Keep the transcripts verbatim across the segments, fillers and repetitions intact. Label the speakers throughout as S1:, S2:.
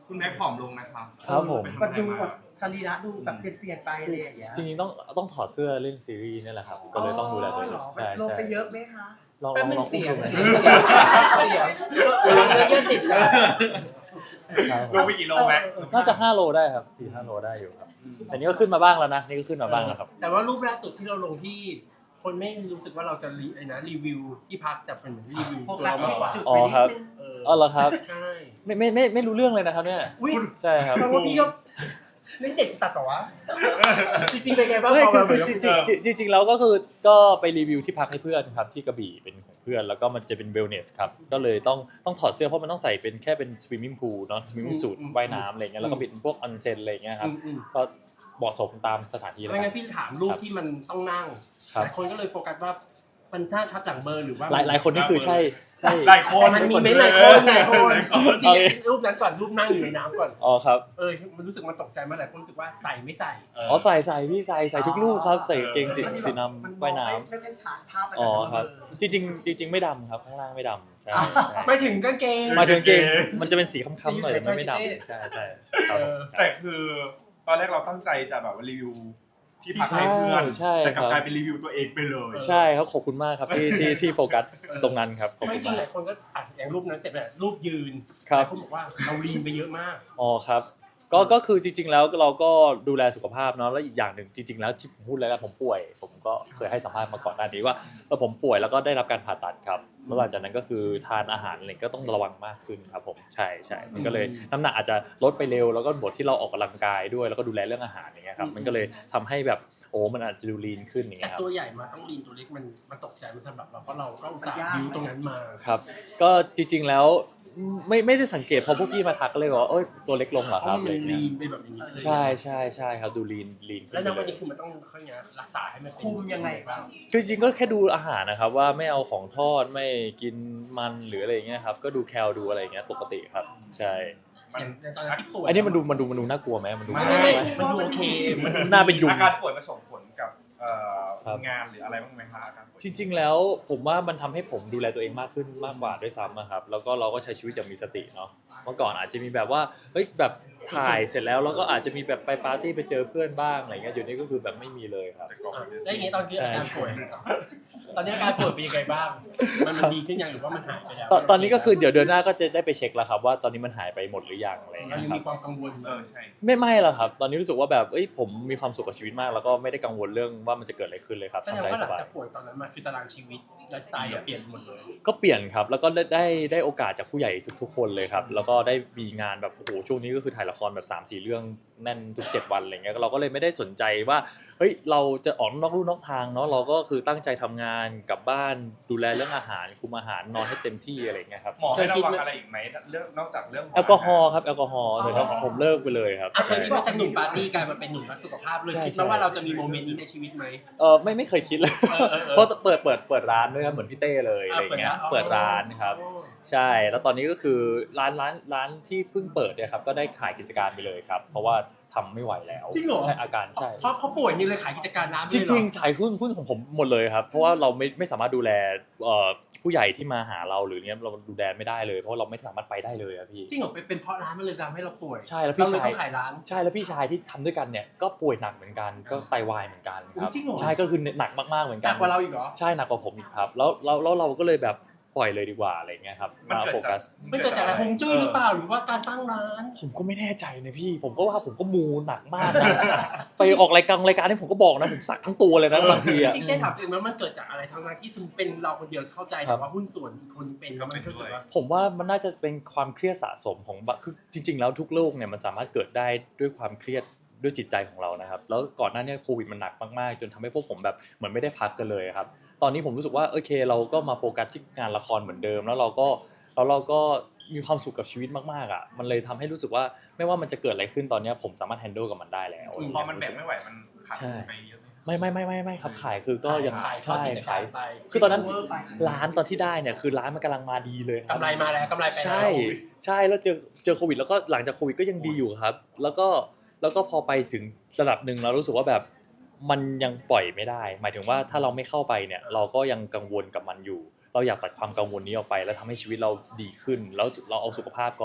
S1: คุณแม็กผอมลงนะครับ
S2: ครับผม
S3: มันดูแบบสรีระดูแบบเปลี่ยนไปอะไรอย่างเงี้ย
S2: จริงๆต้องต้องถอดเสื้อเล่นซีรีส์นี่แหละครับก็เลยต้องดูแลตัวเองใช่
S3: ลง
S2: ใช่
S3: ไปเยอะไหมคะ
S2: ลองล
S4: แป๊บ
S2: อง
S4: นึ
S2: ลอง
S4: งเสียง
S2: อุ้ม
S4: เสี
S2: ดู
S4: ยง
S2: นะ
S4: เสียงเวลาเนื้อเยื่อติดกัน
S1: ลงไปกี่โลแม็ก
S2: น่าจะห้าโลได้ครับสี่ห้าโลได้อยู่ครับแต่นี่ก็ขึ้นมาบ้างแล้วนะนี่ก็ขึ้นมาบ้างแล้วครับ
S4: แต่ว่ารูปล่าสุดที่เราลงที่ คนไม่รู้สึกว่าเราจะรีไอ้นะรีวิวที่พักแต่เป็นรีวิว
S3: โฟ
S4: ตัว
S3: กัส
S4: เรามากกว่า
S3: จุด
S2: อ๋
S3: ไป
S2: อ
S3: นิด
S2: ครับ
S3: นึง
S4: เออ
S2: อ๋อเหรอครับ
S4: ใช่
S2: ไม่ไม่ไม่ไม่รู้เรื่องเลยนะครับเนี่ย
S4: อุ้ย
S2: ใช่ครับ
S4: แปลว่าพี่ก็นี่เด็กตัดต่อวะจริงๆเป็นไงบ้าง
S2: ไม่
S4: พอ
S2: คือ
S4: เรา
S2: คือจริงๆจริงๆจริงๆแล้วก็คือก็ไปรีวิวที่พักให้เพื่อนครับที่กระบี่เป็นของเพื่อนแล้วก็มันจะเป็นเวลเนสครับก็เลยต้องต้องถอดเสื้อเพราะมันต้องใส่เป็นแค่เป็นสวิมมิ่งพูลเนาะสวิมมิ่งสูทว่ายน้ำอะไรเงี้ยแล้วก็เป็นพวกออนเซ็นอะไรเงี้ยครับ
S4: อืม
S2: ก็เหมาะสมตามสถานที่
S4: ๆ
S2: เลย
S4: ไม่
S2: ค
S4: งั้
S2: รับ
S4: นพี่ถามรูปที่มันต้องนั่ง
S2: ครับ
S4: หลายคนก็เลยโฟกัสว่ามันถ้าชัดหลังเบอร์หรือว่า
S2: หลายหลายคนนี่คือใช่ใช่
S1: หลายคน
S4: มันมีเม้นต์หลายคนหลายคนจริ
S2: โอเค
S4: งๆรูปนั้นก่อนรูปนั่งอยู่ในน้ำก่อน
S2: อ๋อครับ
S4: เออมันรู้สึกมันตกใจมากหลายคนรู้สึกว่าใส่ไม่ใส่
S2: อ๋อใส่ใส่พี่ใส่ใส่ทุกลูกครับใส่กางเกงสีสีน้ำว่ายน้
S3: ไม่เป็นฉากภาพมัน
S2: ำอ๋อ
S3: จะ
S2: ครับ
S3: เบลอ
S2: จริงๆจริงๆไม่ดำครับข้างล่างไม่ดำใช่ใช่
S4: ไม่ถึงกางเกง
S2: หมายถึงกางเกงมันจะเป็นสีค้ำๆหน่อยแต่มันไม่ดำใช่ใช่ครับผม
S1: แต่คือตอนแรกเราตั้งใจจะแบบว่ารีวิวที่พักให้เพื่อน
S2: ใช่
S1: แต่กลับ
S2: ครับ
S1: กลายเป็นรีวิวตัวเองไปเลย
S2: ใช่ครับขอบคุณมากครับที่ที่ที่โฟกัสตรงนั้นครับขอบ
S4: ไม่
S2: คุณ
S4: จริง
S2: มา
S4: ห
S2: ก
S4: ลายคนก็อ่ะอย่างรูปนั้นเสร็จแล้วรูปยืน
S2: ครั
S4: ห
S2: บ
S4: ลายคนบอกว่าเราลีนไปเยอะมาก
S2: อ๋อครับก็ก็คือจริงๆแล้วเราก็ดูแลสุขภาพเนาะแล้วอีกอย่างหนึ่งจริงๆแล้วที่ผมพูดแล้วกันผมป่วย ผมก็เคยให้สัมภาษณ์มาก่อนหน้านี้ว่าเออผมป่วยแล้วก็ได้รับการผ่าตัดครับแล้วหลังจากนั้นก็คือทานอาหารอะไรก็ต้องระวังมากขึ้นครับผมใช่ใช่มันก็เลยน้ำหนักอาจจะลดไปเร็วแล้วก็บวกที่เราออกกำลังกายด้วยแล้วก็ดูแลเรื่องอาหารอย่างเงี้ยครับมันก็เลยทำให้แบบโอ้มันอาจจะดูลีนขึ้นอย่าง
S4: แต่
S2: เงี้ยครับ
S4: ตัวใหญ่มาต้องลีนตัวเล็กมันมันตกใจมันสำหรับเราเพราะเราก็อุตส่าห์ดิวตรงนั้นมา
S2: ครับก็จริงๆแล้วไม่ไม่ได้สังเกตพอพวกพี่มาทักก็เลยบอกว่าเอ้ยตัวเล็กลงเหรอ
S4: เพ
S2: ครั
S4: ราะ
S2: บ
S4: มั
S2: อะไร
S4: น
S2: เงี้
S4: ลี
S2: ย
S4: นไปแบบนี้
S2: ใช่ใช่ใช่ครับดูลีนลีนขึ้
S4: แล้ว
S2: น
S4: ใน
S2: ไป
S4: วัน
S2: เล
S4: นี้
S2: ย
S4: คือมันต้องเขาเนี้ยรักษาให้มันเป็น
S3: คุมยังไงบ้าง
S2: คือจริงๆก็แค่ดูอาหารนะครับว่าไม่เอาของทอดไม่กินมันหรืออะไรอย่างเงี้ยครับก็ดูแคลดูอะไรอย่างเงี้ยปกติครับใช่
S4: อย่างในตอนนั้นที่ป่วย
S2: อันนี้มันดูมันดูมันดูน่ากลัวไหมมันดู
S4: ไม่
S2: น่ากลั
S4: ไม่
S2: วไหม
S4: มันดูโอเคมัน
S2: น่าเป็นยุง
S1: อาการป่วยมาส่งผลกับเอ่อ
S2: ครับ
S1: งานหรืออะไรบ้างไหมคะอาการป่วย
S2: จริงๆแล้วผมว่ามันทำให้ผมดูแลตัวเองมากขึ้นมากกว่าด้วยซ้ำอะครับแล้วก็เราก็ใช้ชีวิตอย่างมีสติเนาะเมื่อก่อนอาจจะมีแบบว่าเฮ้ยแบบถ่ายเสร็จแล้วเราก็อาจจะมีแบบไปปาร์ตี้ไปเจอเพื่อนบ้างอะไรเงี้ยเดี๋ยวนี้ก็คือแบบไม่มีเลยครับ
S1: แต่ก่อนมันจะ
S4: แล้วอย่างนี้ตอนที่อาการป่วยตอนนี้อาการป่วยเป็นยังไงบ้าง มันมันดีขึ้นยังหรือว่ามันหายไปแล้ว
S2: ตอนตอนนี้ก็คือเดี๋ยวเดือนหน้าก็จะได้ไปเช็คแล้วครับว่าตอนนี้มันหายไปหมดหรือยังอะไรเงี้
S4: เรา
S2: ย
S4: ยัง
S2: ครั
S4: มี
S2: บ
S4: ความกังวล
S1: เออใช่
S2: ไม่ไม่หรอกครับ ตอนนี้รู้สึกว่าแบบเอ้ยผมมีความสุขกับชีวิตมาก แล้วก็ไม่ได้กังวลเรื่องว่ามันจะเกิดอะไรขึ้นเลยครับ
S4: แสดง
S2: ทำใจ
S4: ว่าห
S2: ส
S4: ลัง
S2: บาย
S4: จากป่วยตอนนั้นมาคือตารางชีวิตไลฟ์สไตล์อะเปลี่ยนหมดเลย
S2: ก็เปลี่ยนครับ แล้วก็ได้ได้ได้โอกาสจากผู้ใหญ่ทุกๆ คนเลยครับ แล้วก็ได้มีงานแบบโอ้โหช่วงนี้ก็คือถ่ายละครแบบ สามสี่ เรื่องแน่นทุกเจ็ดวันอะไรเงี้ยเราก็เลยไม่ได้สนใจว่าเฮ้ยเราจะออกนอกลู่นอกทางเนาะเราก็คือตั้งใจทำงานกลับบ้านดูแลเรื่องอาหารคุมอาหารนอนให้เต็มที่อะไรเงี้ยครับ
S1: หมอให้ระวังอะไรอีกไหมเรื่องนอกจากเรื่อง
S2: แอลกอฮอล์ครับแอลกอฮอล์แต่ครับผมเลิกไปเลยครับ
S4: อ่ะเคยคิดว่าจากหนุ่มปาร์ตี้กลายมาเป็นหนุ่มรักสุขภาพเลย
S2: ใช่
S4: คิดไหม
S2: ใช่
S4: ว่าเราจะมีโมเมนต์นี้ในชีวิตไหม
S2: เออไม่ไม่เคยคิดเลย
S4: เออเออเออ
S2: เพราะเปิดเปิดเปิดร้านด้วยครับเหมือนพี่เต้เลยอะไร
S4: อ่ะ
S2: เงี้ย
S4: เปิ
S2: เปิ
S4: ด
S2: ด
S4: ร้า
S2: ร้าน นครับ ใช่ แล้วตอนนี้ก็คือร้านร้านร้านที่เพิ่งเปิดเนี่ยครับก็ได้ขายกิจการไปเลยครับ เพราะว่าทำไม่ไหวแล้ว
S4: จริงเหรอ
S2: ใช่อาการใช่
S4: เพราะเขาป่วยนี่เลยขายกิจการน้ำ
S2: จริงๆขายหุ้นหุ้นของผมหมดเลยครับ เพราะว่าเราไม่ไม่สามารถดูแลเอ่อผู้ใหญ่ที่มาหาเราหรือเนี้ยเราดูแลไม่ได้เลยเพราะเราไม่สามารถไปได้เลยอะพี่
S4: จริงเหรอเป็นเป็นเพราะร้านมันเลยทำให้เราป่วย
S2: ใช่แล้วพี่
S4: เราเลย
S2: ชาย
S4: ต้องขายร้าน
S2: ใช่แล้วพี่ชายที่ทำด้วยกันเนี่ยก็ป่วยหนักเหมือนกันก็ไตวายเหมือนกันครับ
S4: จริงเหรอ
S2: ใช่ก็คือหนักมากๆเหมือน
S4: ห
S2: กั
S4: นั
S2: น
S4: กกว่าเราอีกเหรอ
S2: ใช่หนักกว่าผมอีกครับแล้วแล้วแล้วเราก็เลยแบบปล่อยเลยดีกว่าอะไรเงี้ยครับ
S1: มัน
S2: มา
S1: เกิด
S2: โฟ
S1: จาก
S2: กัส
S4: มันเกิดจากอะไรฮวงจุ้ยหรือเปล่าหรือว่าการตั้งร้าน
S2: ผมก็ไม่แน่ใจนะพี่ ผมก็ว่าผมก็มูหนักมากนะ ไปออกรายการรายการนี่ผมก็บอกนะผมสักทั้งตัวเลยนะบางทีอะ
S4: จริงๆได้ถามตัวเองว่ามันเกิดจากอะไรทั้งนั้นที่สมมติเป็นเราคนเดียวเข้าใจ
S2: ครั
S4: แต่
S2: บ
S4: ว่าหุ้นส่วนอีกคนเป็นแล้วมันรู้สึกว่า
S2: ผมว่ามันน่าจะเป็นความเครียดสะสมของบะคือจริง ๆ แล้วทุกโรคเนี่ยมันสามารถเกิดได้ด้วยความเครียดด้วยจิตใจของเรานะครับแล้วก่อนหน้านี้โควิดมันหนักมากๆจนทำให้พวกผมแบบเหมือนไม่ได้พักกันเลยครับตอนนี้ผมรู้สึกว่าโอเคเราก็มาโฟกัสที่งานละครเหมือนเดิมแล้วเราก็แล้วเราก็มีความสุขกับชีวิตมากๆอ่ะมันเลยทำให้รู้สึกว่าไม่ว่ามันจะเกิดอะไรขึ้นตอนนี้ผมสามารถแฮนเดิลกับมันได้แล้ว
S1: พอมันแบกไม่ไหวมันขาดไปเยอะไหม
S2: ไม่ไม่ไม่ไม่ไม่ครับขายคือก็ยัง
S4: ขาย
S2: ใช่
S4: เข้ากิจกา
S2: ขาร ย
S4: ไป
S2: คือตอนนั้น
S3: เวอร์ไป
S2: ร้านตอนที่ได้เนี่ยคือร้านมันกำลังมาดีเลยครับ
S4: กำไรมาแล้วกำไรไปแล้ว
S2: ใช่ใช่แล้วเจอเจอโควิดแล้วก็หลังจากโควิดก็ยังดีอยู่ครับ แล้วก็แล้วก็พอไปถึงระดับหนึ่งเรารู้สึกว่าแบบมันยังปล่อยไม่ได้ หมายถึงว่าถ้าเราไม่เข้าไปเนี่ยเราก็ยังกังวลกับมันอยู่ เราอยากตัดความกังวลนี้ออกไป แล้วทำให้ชีวิตเราดีขึ้น แล้วเราเอาสุขภาพก่อน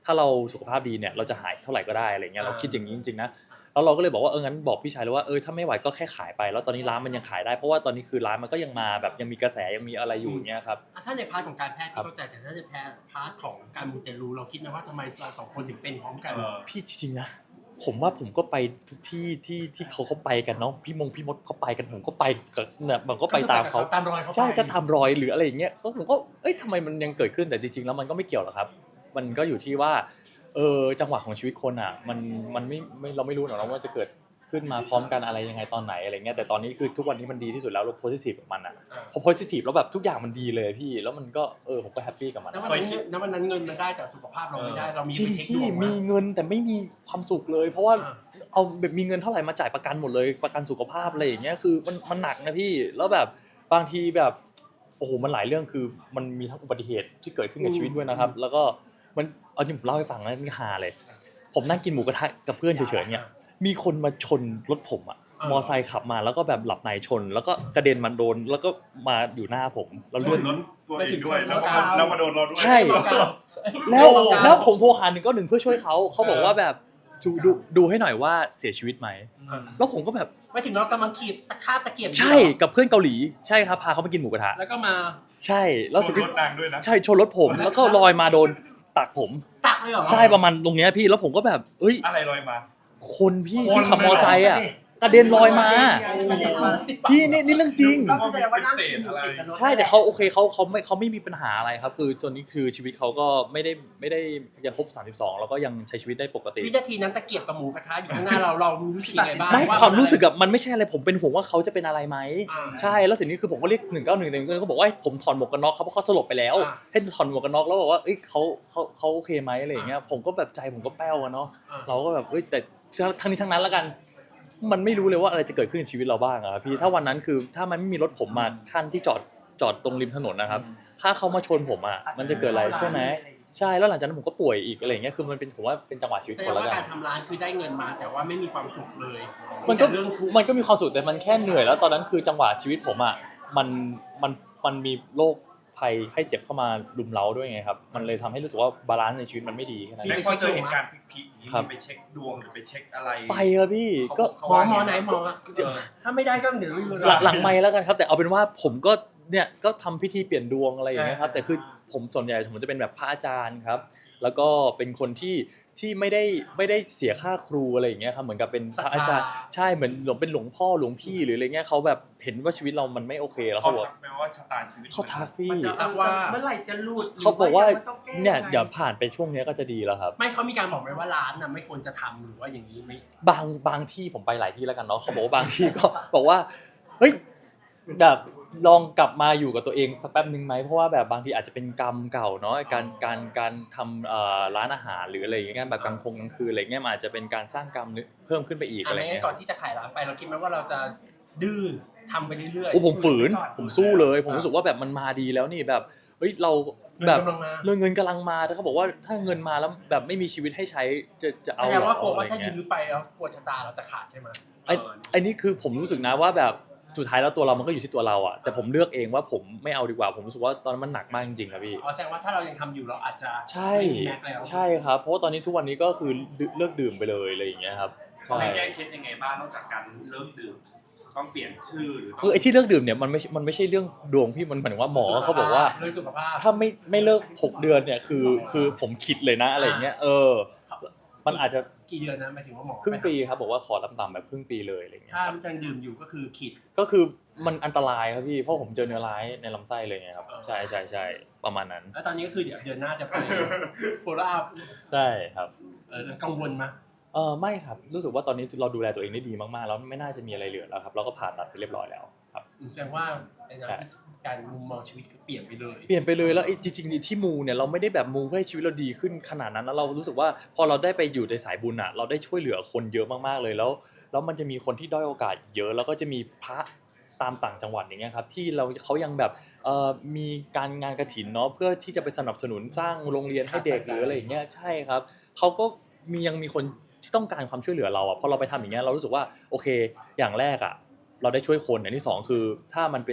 S2: ถ้าเราสุขภาพดีเนี่ยเราจะหายเท่าไหร่ก็ได้อะไรเงี้ยเราคิดอย่างนี้จริงๆนะแล้วเราก็เลยบอกว่าเอองั้นบอกพี่ชายเลยว่าเออถ้าไม่ไหวก็แค่ขายไปแล้วตอนนี้ร้านมันยังขายได้เพราะว่าตอนนี้คือร้านมันก็ยังมาแบบยังมีกระแสยังมีอะไรอยู่เงี้ยครับ
S4: ถ้าในพาร์ทของการแพทย์ที่เข้าใจแต่ถ้าในพาร์ทของการมูเตลูเราคิดไหมว่าทำไมเราสองคนถึงเป็นพร้อมกัน
S1: เออ
S2: พี่จริงๆนะผมว่าผมก็ไปทุกที่ที่ที่เขาเขาไปกันเนาะพี่มงพี่มดเขาไปกันผมก็ไปกับเนี่ยผมก็ไปตามเขา
S4: ตามรอยเขาไป
S2: ใช่จะตามรอยหรืออะไรอย่างเงี้ยก็ผมก็เอ้ยทำไมมันยังเกิดขึ้นแต่จริงๆแล้วมันก็ไม่เกี่ยวหรอกครับมันก็อยู่ที่ว่าเออจังหวะของชีวิตคนอ่ะมันมันไม่ไม่เราไม่รู้หรอกนะว่าจะเกิดขึ้นมาพร้อมกันอะไรยังไงตอนไหนอะไรเงี้ยแต่ตอนนี้คือทุกวันนี้มันดีที่สุดแล้วเราโพสิทีฟกับมันอ่ะพอโพสิทีฟแล้วแบบทุกอย่างมันดีเลยพี่แล้วมันก็เออผมก็แฮปปี้กับมัน
S4: ณวันนั้นณวันนั้นเงินมันได้แต่สุขภาพเราไม่ได้เรามี
S2: จริ
S4: ไป
S2: ง
S4: เช็คด
S2: ที่
S4: วง
S2: มี
S4: มา
S2: เงินแต่ไม่มีความสุขเลย เพราะว่าเอาแบบมีเงินเท่าไหร่มาจ่ายประกันหมดเลยประกันสุขภาพอะไรอย่างเงี้ยคือมันมันหนักนะพี่แล้วแบบบางทีแบบโอ้โหมันหลายเรื่องคือมันมีทั้งอุบัติเหตุที่เกิดขึ้นกับชีวิตด้วยนะครับแล้วก็มันเอาจริงผมเล่าให้ฟังนะนี่ฮาเลยผมนั่งกินหมูกระทะกับเพื่อนเฉยๆเนี่ยมีคนมาชนรถผมอะมอไซค์ขับมาแล้วก็แบบหลับในชน แล้วก็กระเด็นมาโดนแล้วก็มาอยู่หน้าผมแล้ว
S1: ช
S2: เลือด
S1: นรถตัวเองด้วยแล้วก็แล้วมาโดนเราด้วย
S2: ใช่ แล้วแล้วผมโทรหาหนึ่งเก้าหนึ่งเพื่อช่วยเขาเขาบอกว่าแบบดูดูดูให้หน่อยว่าเสียชีวิตไหมแล้วผมก็แบบ
S4: ไม่ถึงเรากำลังขีดตะคาบตะเกียบ
S2: ใช่กับเพื่อนเกาหลีใช่ครับพาเขาไปกินหมูกระทะ
S4: แล้วก็มา
S2: ใช่แล้ว
S1: ช
S2: สุด
S1: น
S2: ที่
S1: รถนางด้วยนะ
S2: ใช่ชนรถผมแล้วก็ลอยมาโดนตักผม
S4: ตักเลยเหรอ
S2: ใช่ประมาณตรงเนี้ยพี่แล้วผมก็แบบเอ้ย
S1: อะไรลอยมา
S2: คนพี่
S1: คน
S2: ที่ขับ
S1: เลยเหรอ
S2: มอไซค์อ่ะกระเด็นลอยมา
S3: กระเด็นมา
S2: พี่นี่นี่เรื่องจริง
S3: ก็แสดงว่านั่งกินอยู่ติดกับรถ
S2: ใช่แต่เขาโอเคเขาเขาไม่เขาไม่มีปัญหาอะไรครับคือจนนี้คือชีวิตเขาก็ไม่ได้ไม่ได้ยังครบสามสิบสองแล้วก็ยังใช้ชีวิตได้ปกติ
S4: วินาทีนั้นตะเกียบกับหมูกระทะอยู่ข้างหน้าเราเรารู้สึกยังไงบ้าง
S2: ไม่
S4: ว่า
S2: ความรู้สึกกับมันไม่ใช่อะไรผมเป็นห่วงว่าเขาจะเป็นอะไรไหม
S4: อ่า
S2: ใช่แล้วสิ่งนี้คือผมก็เรียกหนึ่งเก้าหนึ่งแต่หนึ่งเก้าหนึ่งก็บอกว่าให้ผมถอดหมวกกันน็อกเขาเพราะเขาสลบไปแล้ว
S4: อ่า
S2: ให้ถอดหมวกกันน็อกแล้วบอกว่าเอ้ยเขาเขาเขาโอเคไหมอะไรอย่างเงี้ยผมก็แบบใจผมก็แป้วอะเนาะ
S4: อ่า
S2: เราก็แบบเอ้ยแต่ทั้งนี้ทั้งนั้นแล้วกัน มันไม่รู้เลยว่าอะไรจะเกิดขึ้นในชีวิตเราบ้างอะครับพี่ถ้าวันนั้นคือถ้ามันไม่มีรถผมมาขั้นที่จอดจอดตรงริมถนนนะครับถ้าเขามาชนผมอ่ะมันจะเกิดอะไรใช่ไหมใช่แล้วหลังจากนั้นผมก็ป่วยอีกอะไรอย่างเงี้ยคือมันเป็นผมว่าเป็นจังหวะชีวิต
S4: แสด
S2: คน
S4: ง
S2: ละ
S4: ว่า
S2: กั
S4: กาน รทำร้านคือได้เงินมาแต่ว่าไม่มีความสุขเลย
S2: มันก็
S4: แต่เรื่องทุกข์
S2: มันก็มีความสุขแต่มันแค่เหนื่อยแล้วตอนนั้นคือจังหวะชีวิตผมอ่ะมันมันมันมีโรคภัยไข้เจ็บเข้ามารุมเร้าด้วยไงครับมันเลยทำให้รู้สึกว่าบาลานซ์ในชีวิตมันไม่ดีแค่นั้น
S1: แล้
S2: เอง
S1: วพอเจอเหตุการณ์พีคๆอย่างนี้
S2: ครับ
S1: ไปเช็คดวงหรือไปเช็คอะไร
S2: ไปครับพี่ก็
S1: เขา
S4: หมอ
S1: ว่า
S4: หมอ
S1: ไง
S4: ไหนหมอเออถ้าไม่ได้ก็เดี๋ยวรีวิว
S2: หลังหลังไม่แล้วกันครับแต่เอาเป็นว่าผมก็เนี่ยก็ทำพิธีเปลี่ยนดวงอะไรอย่างเงี้ยครับแต่คือผมส่วนใหญ่ผมจะเป็นแบบพระอาจารย์ครับแล้วก็เป็นคนที่ที่ไม่ได้ไม่ได้เสียค่าครูอะไรอย่างเงี้ยครับเหมือนกับเป็นพระอาจารย์ใช่เหมือนหลวงเป็นหลวงพ่อหลวงพี่หรืออะไรเงี้ยเขาแบบเห็นว่าชีวิตเรามันไม่โอเคแล้ว
S1: เขา
S2: เขาบอก
S1: ทักไหมว่าชะตาชีวิต
S2: เขาทักพี่
S3: มันจะว่าเมื่อไหร่จะหลุด
S2: เขาบอกว่า
S3: หรืต้งแก้
S2: เนี่ย
S3: ไง
S2: เดี๋ยวผ่านไปช่วงเนี้ยก็จะดีแล้วครับ
S4: ไม่เขามีการบอกไหมว่าร้านน่ะไม่ควรจะทำหรือว่าอย่างนี้ไหม
S2: บางบางที่ผมไปหลายที่แล้วกันเนาะเขาบอกว่าบางที่ก็ บอกว่าเฮ้ยแบบลองกลับมาอยู่กับตัวเองสักแป๊บนึงไหมเพราะว่าแบบบางทีอาจจะเป็นกรรมเก่าเนาะการการการทำเอ่อร้านอาหารหรืออะไรอย่างเงี้ยแบบกลางคงกลางคืนอะไรเงี้ยมันอาจจะเป็นการสร้างกรรมเพิ่มขึ้นไปอีก
S4: อ่ะ
S2: อะไร
S4: ไม่งั้
S2: เงี้
S4: น
S2: ย
S4: ก่อนที่จะขายร้านไปเราคิดไหมว่าเราจะดื้อทำไปเรื่อย
S2: โอ้ผมฝืนผมสู้เลยผมรู้สึกว่าแบบมันมาดีแล้วนี่แบบเฮ้ยเรา
S4: ๆ
S2: แบบ
S4: เงินกำลังมา
S2: เรื่องเงินกำลังมาแต่เขาบอกว่าถ้าเงินมาแล้วแบบไม่มีชีวิตให้ใช้จะจะเอา
S4: แสด
S2: เห
S4: ง
S2: รอ
S4: ว่ากลัว
S2: อะไร
S4: ว่าถ้า
S2: เงี้ย
S4: ยื้อไปแล้วกลัวชะตาเราจะขาดใช่ไหม
S2: ไอ้ไอ้นี่คือผมรู้สึกนะว่าแบบสุดท้ายแล้วตัวเรามันก็อยู่ที่ตัวเราอะแต่ผมเลือกเองว่าผมไม่เอาดีกว่าผมรู้สึกว่าตอนนั้นมันหนักมากจริงๆครับพี่
S4: อ๋อแสดงว่าถ้าเรายังทำอยู่เราอาจจะ
S2: ใช่
S4: ไม่มีแม็กซ์แล้ว
S2: ใช่ครับเพราะว่าตอนนี้ทุกวันนี้ก็คือเลิกดื่มไปเลยอะไรอย่างเงี้ยครับ
S5: เขา
S2: ใช่
S5: ให้แก้เคล็ดยังไงบ้างนอกจากการเลิกดื่มต้องเปลี่ยนชื่อหรือต้
S2: คือไอ้ที่เลิกดื่มเนี่ยมันไม่มันไม่ใช่เรื่องดวงพี่มันหมายถึงว่าหมอเขาบอกว่า
S4: เรื่องสุขภาพ
S2: ถ้าไม่ไม่เลิกหกเดือนเนี่ยคือคือผมคิดเลยนะอะไรอย่างเงี้ยเออมันอาจจะ
S4: กี่เดือนนะหมายถึงว่าหมอ
S2: ครึ่งปีครับบอกว่าขอต่ำๆแบบครึ่งปีเลยอะไรอย่างเงี้ย
S4: ถ้ายังดื่มอยู่ก็คือขีด
S2: ก็คือมันอันตรายครับพี่เพราะผมเจอเนื้อร้ายในลำไส้เลยไงครับใช่ใช่ใช่ประมาณนั้น
S4: แล้วตอนนี้ก็คือเดี๋ยวเดือนหน้าจะไปโฟล์อัพ
S2: ใช่ครับ
S4: เออกังวลไหม
S2: เออไม่ครับรู้สึกว่าตอนนี้เราดูแลตัวเองได้ดีมากๆแล้วไม่น่าจะมีอะไรเหลือแล้วครับเราก็ผ่าตัดไปเรียบร้อยแล้วครับ
S4: แสดงว่าไอ้
S2: ใช่
S4: การมุมมองชีวิตก็เปลี่ยนไปเลย
S2: เปลี่ยนไปเลยแล้วไอ้จริงๆที่มูเนี่ยเราไม่ได้แบบมูเพื่อให้ชีวิตเราดีขึ้นขนาดนั้นแล้วเรารู้สึกว่าพอเราได้ไปอยู่ในสายบุญอ่ะเราได้ช่วยเหลือคนเยอะมากๆเลยแล้วแล้วมันจะมีคนที่ด้อยโอกาสเยอะแล้วก็จะมีพระตามต่างจังหวัดอย่างเงี้ยครับที่เราเขายังแบบเอ่อมีการงานกฐินเนาะเพื่อที่จะไปสนับสนุนสร้างโรงเรียนให้เด็กหรืออะไรอย่างเงี้ยใช่ครับเขาก็มียังมีคนที่ต้องการความช่วยเหลือเราอ่ะพอเราไปทำอย่างเงี้ยเรารู้สึกว่าโอเคอย่างแรกอ่ะเราได้ช่วยคนอย่างที่สองคือถ้ามันเป็น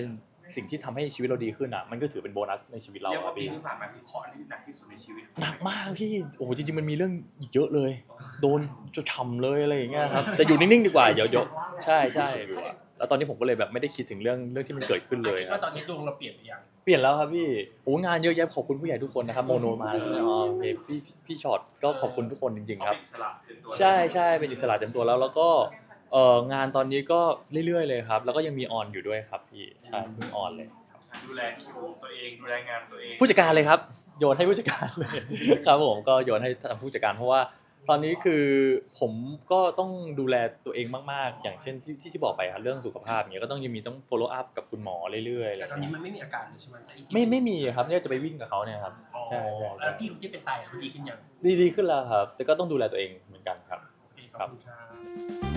S2: สิ่งที่ทำให้ชีวิตเราดีขึ้นอ่ะมันก็ถือเป็นโบนัสในชีวิตเรา
S5: เรียก
S2: อะ
S5: ว่าปี
S2: พี่
S5: ที่ผ่านมาคือเคราะห์ที่หนักที่สุดในชีวิต
S2: หนักมากพี่โอ้โหจริงๆมันมีเรื่องอีกเยอะเลย โดนจะฉ่ำเลยอะไรอย่างเงี้ยครับแต่อยู่นิ่งๆดีกว่าเดี๋ยวเดี๋ยวใช่ใช่แล้วตอนนี้ผมก็เลยแบบไม่ได้คิดถึงเรื่องเรื่องที่มันเกิดขึ้นเลย
S4: คิด
S2: ครั
S4: ว่า
S2: บ
S4: ตอนนี้ดวงเราเปลี่ยนไปยัง
S2: เปลี่ยนแล้วครับพี่โอ้งานเยอะแยะขอบคุณผู้ใหญ่ทุกคนนะครับโมโนมาแล้วใช่ไหมอ๋อโอเคพี่พี่ช็อตก็ขอบคุณทุกคนจริงๆครับ
S5: อิสระเต็มตัว
S2: ใช่ใช่เป็นอิสระเต็มตัวแล้วแล้วก็เอ่องานตอนนี้ก็เรื่อยๆเลยครับแล้วก็ยังมีออนอยู่ด้วยครับพี่ใช่เพิ่งออนเลย
S5: ดูแลคิวตัวเองดูแลงานตัวเอง
S2: ผู้จัดการเลยครับโยนให้ผู้จัดการเลย ครับผมก็โยนให้ทางผู้จัดการเพราะว่าตอนนี้คือผมก็ต้องดูแลตัวเองมากๆ อย่างเช่นที่ที่ที่บอกไปครับเรื่องสุขภาพอย่างเงี้ยก็ต้องยังมีต้อง follow up กับคุณหมอเรื่อยๆอะไร
S4: แต่ตอน
S2: เงี้
S4: นี้
S2: ย
S4: มันไม่มีอาการเลยใช่ไหมแต่อีกที
S2: ไม่ไม่มีครับเนี่ยจะไปวิ่งกับเขาเนี่ยครับ
S4: อ๋อ
S2: ใช่ใช่
S4: แล้
S2: ใช่
S4: วพี่คนที่เป็นไตเขาดีขึ้นยัง
S2: ดีดีขึ้นแล้วครับ แต่ก็ต้องดูแลตัวเองเหมือนกันครับ
S4: โอเคขอบคุณครับ